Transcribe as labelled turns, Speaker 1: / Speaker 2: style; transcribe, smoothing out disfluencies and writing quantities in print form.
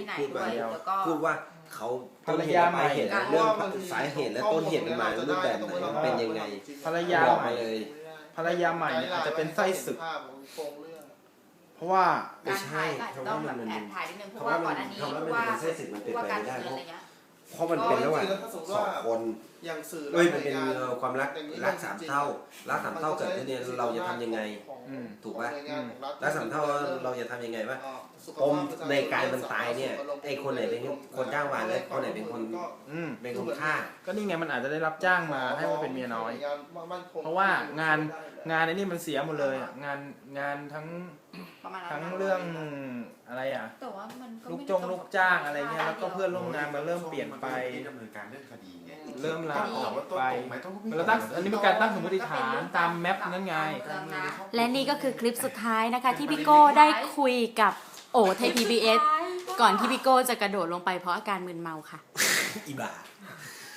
Speaker 1: ไหน
Speaker 2: พูด
Speaker 1: ด้วย
Speaker 2: มา
Speaker 1: แล้วก็
Speaker 2: พูดว่าเขาต้นเหตุปลายเหตุเรื่องสาเหตุและต้นเหตุมันมารูปแบบไหนเป็นยังไง
Speaker 3: ภรรยา
Speaker 2: บอก
Speaker 3: ใหม่
Speaker 2: มาเลย
Speaker 3: ภรรยาใหม่เนี่ยอาจจะเป็นไส้ศึก เพราะว่า
Speaker 2: ไม่ใช่
Speaker 1: การถ่าย
Speaker 2: เพราะ
Speaker 1: ต้อ
Speaker 2: ว่าง
Speaker 1: แบ
Speaker 2: มัน
Speaker 1: บแอบถ่ายนิดนึงเพ
Speaker 2: เพ
Speaker 1: ราะ
Speaker 2: ราะ
Speaker 1: ว่า
Speaker 2: ว่า
Speaker 1: ก่อนอันนี้
Speaker 2: คำว่า
Speaker 1: เพ
Speaker 2: มัน
Speaker 1: ราะว่า
Speaker 2: เป็นเส้นสิทธิ์มันเป็น
Speaker 1: ว่า
Speaker 2: ไป
Speaker 1: การ
Speaker 2: ไม่ได้
Speaker 1: เมืองอะไรเงี้ย
Speaker 2: เพราะมันเป็นระหว่าง
Speaker 4: ก็
Speaker 2: สองคน
Speaker 4: อย่างสื่อ
Speaker 2: เอ้ยมันเป็นความรักสามเท่ารักสามเท่าเกิดขึ้นเนี่ยเราจะทำยังไง ถูกปะรักสามเท่าเราจะทำยังไงวะปมในการมันตายเนี่ยไอ้คนไหนเป็นคนจ้างวานและคนไหนเป็นคน เป็นคนฆ่า
Speaker 3: ก็นี่ไงมันอาจจะได้รับจ้างมาให้มาเป็นเมียน้อย เพราะว่างานไอ้นี่มันเสียหมดเลยอะงานทั้ง
Speaker 1: ประมาณนั้น
Speaker 3: ทั้งเรื่องอะไรอ่ะ
Speaker 1: แต่ว่ามันก็
Speaker 3: ลูก
Speaker 1: ไม่
Speaker 3: ลูกจ้างอะไรเงี้ยแล้วก็เพื่อนร่วมงานมันเริ่มเปลี่ยนไป
Speaker 5: ดำเนินการเรื่องคดีไง
Speaker 3: เริ่มลาออก
Speaker 5: ว่าต้น
Speaker 3: ไป
Speaker 5: ตรงไหมต้อง
Speaker 3: เราตั้งอันนี้เป็นการตั้งสมมติฐานตามแมปนั่นไง
Speaker 6: และนี่ก็คือคลิปสุดท้ายนะคะที่พี่โก้ได้คุยกับโอไทย PBS ก่อนที่พี่โก้จะกระโดดลงไปเพราะอาการมึนเมาค่ะ
Speaker 2: อีบ้า